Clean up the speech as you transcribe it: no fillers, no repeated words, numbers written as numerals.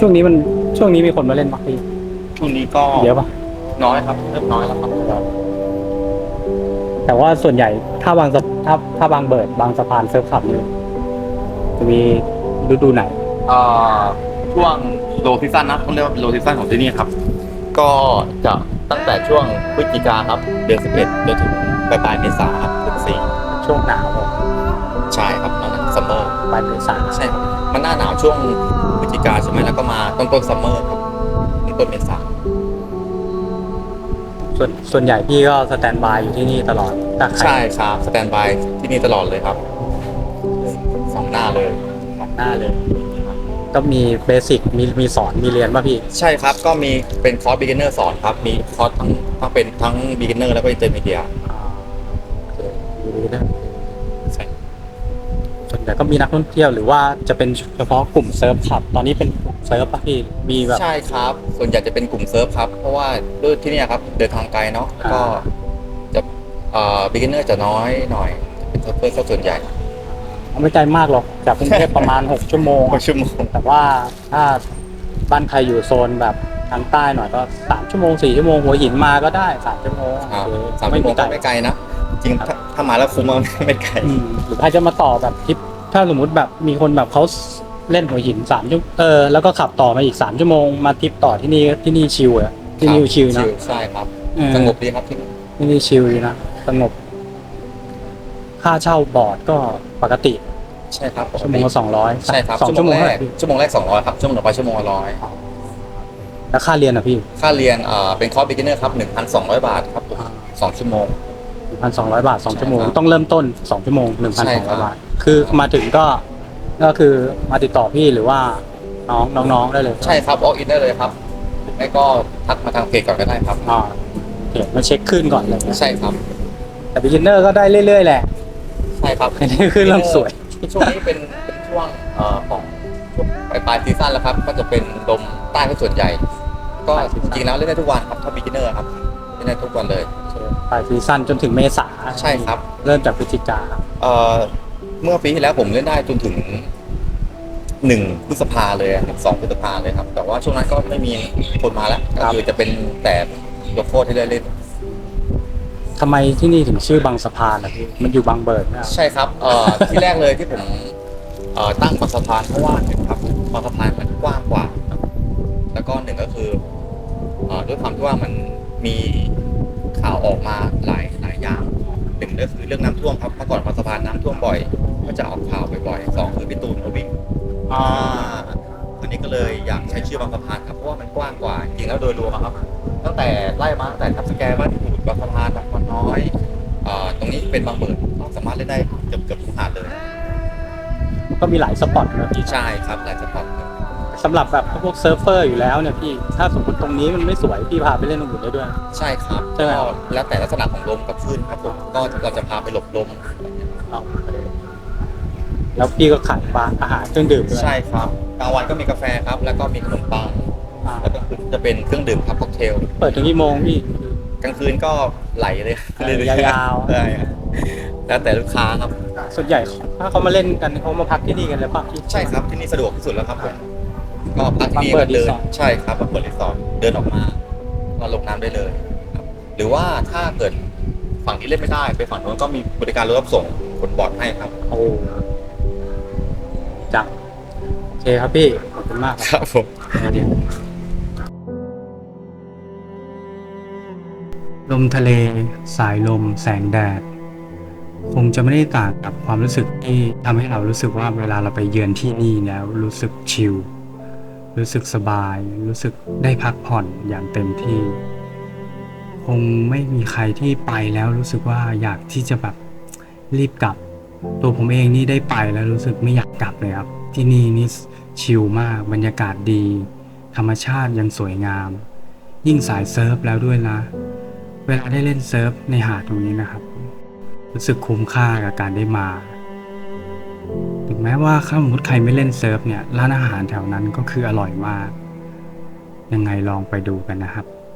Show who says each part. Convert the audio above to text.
Speaker 1: ช่วงนี้มีคนมาเล่นปะพี่
Speaker 2: ช่วงนี้ก็
Speaker 1: เยอะปะ
Speaker 2: น้อยครับเริ่มน้อยแล้วครับ
Speaker 1: แต่ว่าส่วนใหญ่ถ้าบางเบิร์ดบางสะพานเซิร์ฟขับเนี่ยจะมีฤดูไหน
Speaker 2: เอ่อช่วงโลซีซั่นนะต้องเรียกว่าเป็นโลซีซั่นของที่นี่ครับก็จะตั้งแต่ช่วงพฤศจิกาครับเดือน11จนถึงปลายเมษาครับเดือน4
Speaker 1: ช่วงหนาว
Speaker 2: ใช่ครับตอนนั้นซัมเมอร์
Speaker 1: ปลายเมษา
Speaker 2: ใช่ครับมันหน้าหนาวช่วงพฤศจิกาใช่ไหมแล้วก็มาต้นซัมเมอร์ครับต้นเมษา
Speaker 1: ส่วนใหญ่พี่ก็สแตนบายอยู่ที่นี่ตลอดถ้าใคร
Speaker 2: ใช่ครับสแตนบายที่นี่ตลอดเลยครับสองหน้าเลย
Speaker 1: มองหน้าเลย ก็มีเบสิกมีสอนมีเรียนป่ะพี่
Speaker 2: ใช่ครับก็มีเป็นคอร์ส beginner สอนครับมีคอร์สทั้งเป็นทั้ง beginner แล้วก็ intermediate
Speaker 1: ดีนะ
Speaker 2: ใช่
Speaker 1: ส่วนใหญ่ก็มีนักท่องเที่ยวหรือว่าจะเป็นเฉพาะกลุ่มเซิร์ฟขับ ตอนนี้เป็นเซิร์ฟป่ะพี่มีแบบ
Speaker 2: ใช่ครับส่วนใหญ่จะเป็นกลุ่มเซิร์ฟครับเพราะว่าด้วยที่เนี่ยครับเดินทางไกลเนาะแล้วก็จะbeginner จะน้อยหน่อยเป็นเซิร์ฟเวอร์ซะส่วนใหญ่
Speaker 1: ไม่ไกลมากหรอกจากกรุงเทพประมาณ 6 ชั่วโมง
Speaker 2: 6 ชั่วโมง
Speaker 1: แต่ว่าถ้าบ้านใครอยู่โซนแบบทางใต้หน่อยก็3 ชั่วโมง 4 ชั่วโมงหัวหินมาก็ได้3 ชั่วโมง
Speaker 2: ครับ
Speaker 1: โอเค
Speaker 2: 3 ชั่วโมงก็ไม่ไกลนะจริงถ้ามาแล้วคุ้มมากไม่ไกล
Speaker 1: หรือใครจะมาต่อแบบทริปถ้าสมมุติแบบมีคนแบบเขาเล่นหัวหิน3 ชั่วโมงแล้วก็ขับต่อมาอีก3 ชั่วโมงมาทริปต่อที่นี่ชิลอะที่นี่ชิลนะ
Speaker 2: ใช่ครับ
Speaker 1: เออ
Speaker 2: สงบดีครับที่นี่
Speaker 1: ที่นี่ชิลดีนะสงบค่าเช่าบอร์ดก็ปกติ
Speaker 2: ใช่ครับ
Speaker 1: ชั่วโมงละ200
Speaker 2: ใช่ครับ
Speaker 1: 2 ชั่วโมง
Speaker 2: แร
Speaker 1: เท่าไห
Speaker 2: ก
Speaker 1: ร่พี่
Speaker 2: ชั่วโมงแรก200ครับชั่วโมงต่อไปชั่วโมงละ100
Speaker 1: แล้วค่าเรียนอ่ะพี่
Speaker 2: ค่าเรียนเป็นคอร์ส beginner ครับ 1,200 บาทครับผม2 ชั่วโมง
Speaker 1: 1,200 บาท 2 ชั่วโมง
Speaker 2: ใช่ครับ
Speaker 1: ต้องเริ่มต้น2 ชั่วโมง
Speaker 2: ใช่ครับ
Speaker 1: 1,200 บาทคือมาถึงก็คือมาติดต่อพี่หรือว่าน้องได้เลย
Speaker 2: ใช่ครับ walk in ได้เลยครับไม่ก็ทักมาทางเพจก่อนก็ได้ครับ
Speaker 1: อ่าโอเคมาเช็คขึ้นก่อนเลย
Speaker 2: ใช่ครับ
Speaker 1: แต่ beginner ก็ได้เรื่อยๆแหละ
Speaker 2: ใช่ครับ
Speaker 1: อันนี้คือเริ่มสวย
Speaker 2: ช่วงนี้เป็นช่วงของช่วงปลายซีซั่นแล้วครับ ก็จะเป็นลมใต้ก็ส่วนใหญ่ ก็จริงๆแล้วเล่นได้ทุกวันครับถ้า beginner ครับเล่นได้ทุกวันเลย
Speaker 1: ปลายซีซั่นจนถึงเมษา
Speaker 2: ใช่ครับ
Speaker 1: เริ่มจากพฤศจิกา
Speaker 2: เมื่อปีที่แล้วผมเล่นได้จนถึง1 พฤษภาเลย2 พฤษภาเลยครับ แต่ว่าช่วงนั้นก็ไม่มีคนมาแล้วก็คือจะเป็นแต่ยกโทษที่ได้เล่น
Speaker 1: ทำไมที่นี่ถึงชื่อบางสะพานล่ะพี่มันอยู่บางเบิร์ดนะ
Speaker 2: ใช่ครับที่แรกเลยที่ผมตั้งบางสะพานเพราะว่าหนึ่งครับบางสะพานมันกว้างกว่า แล้วก็หนึ่งก็คือด้วยความที่ว่ามันมีข่าวออกมาหลายอย่างหนึ่งก็คือเรื่องน้ำท่วมครับเมื่อก่อนบางสะพานน้ำท่วมบ่อย ก็จะออกข่าวบ่อยๆสองคือพี่ตูนมาวิ่งอันนี้ก็เลยอยากใช้ชื่อบางสะพานครับเพราะว่ามันกว้างกว่าจริงแล้วโดยรวมอะครับตั้งแต่ไล่มาตั้งแต่ทับสแกบ้านปูดบางสะพานบางคนน้อยตรงนี้เป็นบางเบิดเราสามารถเล่นได้เกือบทุกหาดเลย
Speaker 1: ก็มีหลายสปอตนะพี่
Speaker 2: ใช่ครับหลายสปอร์ตครับ
Speaker 1: สำหรับแบบพวกเซิร์ฟเฟอร์อยู่แล้วเนี่ยพี่ถ้าสมมติตรงนี้มันไม่สวยพี่พาไปเล่นตรงอื่นได้ด้วย
Speaker 2: ใช่ครับ
Speaker 1: ใช่ไหม
Speaker 2: ก็แล้วแต่ลักษณะของลมกับคลื่นครับผมก็เราจะพาไปหลบลม
Speaker 1: แล้วพี่ก็ขายบาร์อาหารเครื่องดื่มด้วย
Speaker 2: ใช่ครับกลางวันก็มีกาแฟครับแล้วก็มีขนมปัง
Speaker 1: อ่า
Speaker 2: แล้วก็คือจะเป็นเครื่องดื่มครับค็อกเทล
Speaker 1: เปิดถึงกี่โมงพี่
Speaker 2: กลางคืนก็ไหลเลย
Speaker 1: ยาวๆ
Speaker 2: ใช่แล้วแต่ลูกค้าครับ
Speaker 1: ส่วนใหญ่ถ้าเขามาเล่นกันเขามาพักที่นี่กันเลยป่ะพี่
Speaker 2: ใช่ครับที่นี่สะดวกที่สุดแล้วครับผมก็พักที่นี่
Speaker 1: มาเปิ
Speaker 2: ก็
Speaker 1: ด
Speaker 2: เดิน
Speaker 1: รีสอร์ท
Speaker 2: ใช่ครับมาเปิดรีสอร์ทเดินออกมาก็ลงน้ำได้เลยครับหรือว่าถ้าเกิดฝั่งนี้เล่นไม่ได้ไปฝั่งโน้นก็มีบริการรถรับส่งบนบอร์ดให้ครับ
Speaker 1: โอ้จังโอเคครับพี่ขอบคุณมาก
Speaker 2: ค
Speaker 1: ครับ
Speaker 2: รับผม
Speaker 1: ลมทะเลสายลมแสงแดดคงจะไม่ได้ต่างกับความรู้สึกที่ทำให้เรารู้สึกว่าเวลาเราไปเยือนที่นี่แล้วรู้สึกชิลรู้สึกสบาย รู้สึกได้พักผ่อนอย่างเต็มที่ คงไม่มีใครที่ไปแล้วรู้สึกว่าอยากที่จะแบบรีบกลับ ตัวผมเองนี่ได้ไปแล้วรู้สึกไม่อยากกลับเลยครับที่นี่นี่ชิลมากบรรยากาศดี ธรรมชาติยังสวยงาม ยิ่งสายเซิร์ฟแล้วด้วยนะ เวลาได้เล่นเซิร์ฟในหาดตรงนี้นะครับ รู้สึกคุ้มค่ากับการได้มาถึงแม้ว่าถ้าสมมติใครไม่เล่นเซิร์ฟเนี่ยร้านอาหารแถวนั้นก็คืออร่อยมาก ยังไงลองไปดูกันนะครับ